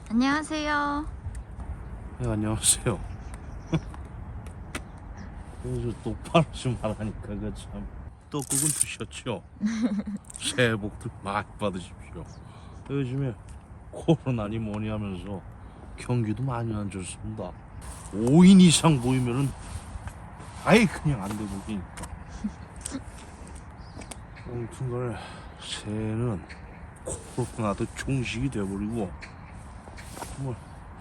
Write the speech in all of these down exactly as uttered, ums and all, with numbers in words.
안녕하세요. 네, 안녕하세요. 그래서 똑바로 좀 하라니까 그참 떡국은 드셨죠? 새해 복들 많이 받으십시오. 요즘에 코로나니 뭐니 하면서 경기도 많이 안 좋습니다. 오 인 이상 모이면은 아예 그냥 안 돼 보이니까. 아무튼간에 새해는 코로나도 종식이 돼버리고 뭐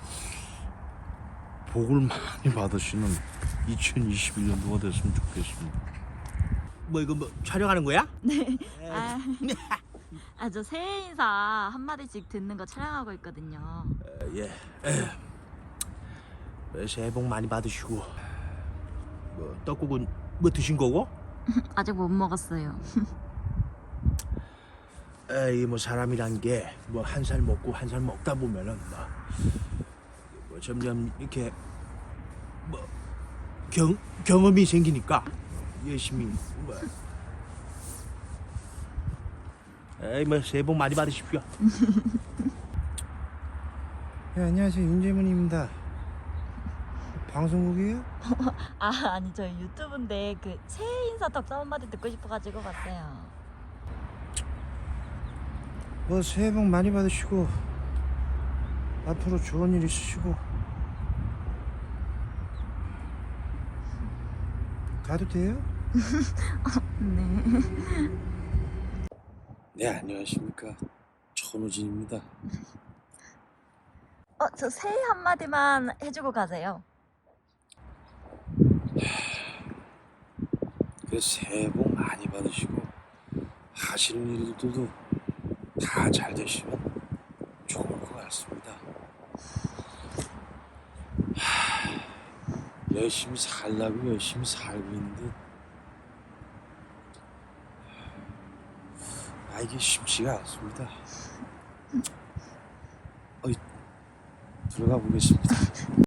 복을 많이 받으시는 이천이십일 년도가 됐으면 좋겠습니다. 뭐 이거 뭐 촬영하는 거야? 아, 아, 저 새해 인사 한마디씩 듣는 거 촬영하고 있거든요. 어, 예. 에, 새해 복 많이 받으시고 뭐 떡국은 뭐 드신 거고? 아직 못 먹었어요. 에이 뭐 사람이란 게 뭐 한 살 먹고 한 살 먹다 보면은 뭐, 뭐 점점 이렇게 뭐 경, 경험이 생기니까 열심히 뭐 에이 뭐 새해 복 많이 받으십시오. 네, 안녕하세요. 윤재문입니다. 방송국이에요? 아, 아니 저 유튜브인데 그 새해 인사 덕담 한마디 듣고 싶어가지고 봤어요. 뭐 새해 복 많이 받으시고 앞으로 좋은 일 있으시고 가도 돼요? 네. 네, 안녕하십니까. 천우진입니다. 어, 저 새해 한마디만 해주고 가세요. 그 새해 복 많이 받으시고 하시는 일들도 다 잘 되시면 좋을 것 같습니다. 하, 열심히 살라고 열심히 살고 있는데 아 이게 쉽지가 않습니다. 어이, 들어가 보겠습니다.